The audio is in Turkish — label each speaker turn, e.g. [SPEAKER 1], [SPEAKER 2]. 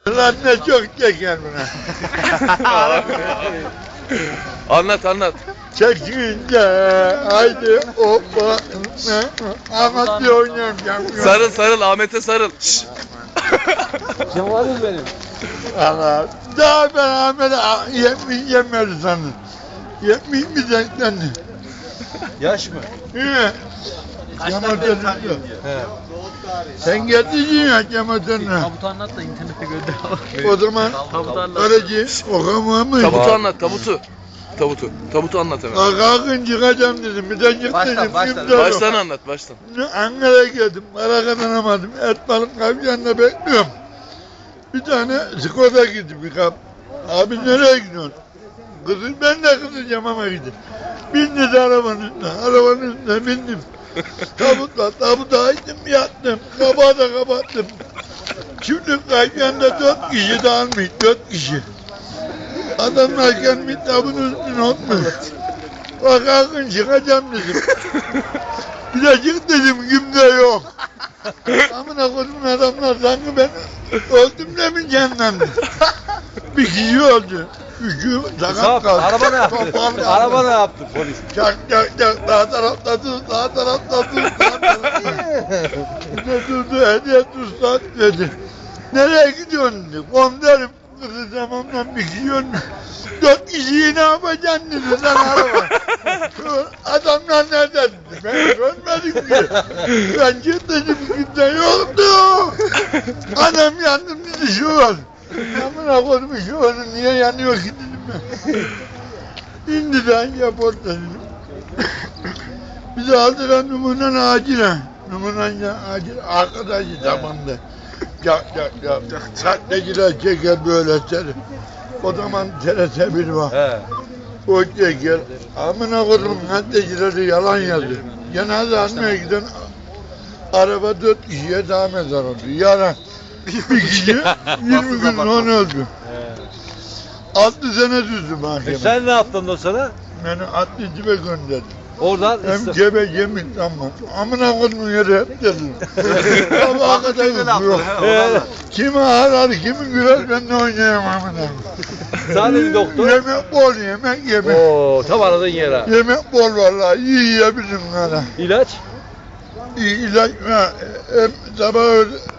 [SPEAKER 1] Lan ne çok çeker buna.
[SPEAKER 2] Anlat.
[SPEAKER 1] Çekince haydi hoppa. Ahmet diye oynuyorum.
[SPEAKER 2] Sarıl Ahmet'e sarıl. Şşş.
[SPEAKER 3] Cemal'im benim.
[SPEAKER 1] Allah. Daha ben Ahmet'e yemedi sandım. Yemeyeyim mi sen?
[SPEAKER 3] Yaş mı?
[SPEAKER 1] He. Yamatörlü. Sen getirdin ya yamatörlü.
[SPEAKER 4] Tabutu anlat da internette gönder.
[SPEAKER 1] O zaman
[SPEAKER 4] Tabutu anlat.
[SPEAKER 1] öylece okamamış.
[SPEAKER 2] Tabutu anlat, Tabutu anlat hemen.
[SPEAKER 1] Kalkın çıkacağım dedim. Bir de çık dedim.
[SPEAKER 2] Baştan anlat.
[SPEAKER 1] Ankara'ya geldim. Para kazanamadım. Et balık kavşağında bekliyorum. Bir tane Skoda gitti bir kap. Abi nereye gidiyorsun? Kızım ben de kızacağım ama gidin. Bindi de arabanın üstüne bindim. Tabuta açtım yattım. Kapağı da kapattım. Şimdi kavşağında 4 kişi dağılmış, 4 kişi. Adamlar gelmiş tabunun üstüne oturmuş. Bak kalkın çıkacağım dedim. Bir de çık dedim kimde yok. Amına kodumun adamlar sanki ben öldüm de mi cennetimde. Bir kişi öldü. Üçü sakat kaldı.
[SPEAKER 3] Araba ne yaptı? Araba ne yaptı polis?
[SPEAKER 1] Çak sağ tarafta tut, sağ tarafta tut, sağ tarafta. Bir de durdu hediye tutsan dedi. Nereye gidiyorsun dedi. Komiserim kızı zamandan bir kişi ölmüş. 4 kişiyi ne yapacaksın dedi sen araba. Adamlar nerede dedi. Ben görmedim ki. Ben gittim kimse yoktu. Adam yandım dedi şu var. Amına koydum şu onu niye yanıyor ki dedim ben. İndi de yap orada dedim. Bizi aldıran numunen acile. Numunen acile arkadaşı zamanda. Sahteciler çeker böyle seni. O zaman TRT1 var.
[SPEAKER 3] He.
[SPEAKER 1] O çeker. Amına koydum sahtecileri yalan yazıyor. Cenaze almaya giden araba 4 kişiye daha mezar oldu. Yalan. Bir kişi 20 gün sonra öldü. 6 sene düzdü mahkeme.
[SPEAKER 3] Sen ne yaptın o sana?
[SPEAKER 1] Beni adli cibe gönderdi.
[SPEAKER 3] Oradan
[SPEAKER 1] Hem cebe yemin tamam. Amına koydum yere hep dedim. Sabaha kadar yok. Kimi arar, kimi güler ben de oynayamam amına.
[SPEAKER 3] Sadece doktor.
[SPEAKER 1] Yemek bol yemek.
[SPEAKER 3] Oo, tam aradığın yere.
[SPEAKER 1] Yemek bol vallahi iyi yiyebilirim hala.
[SPEAKER 3] İlaç?
[SPEAKER 1] İlaç hem sabah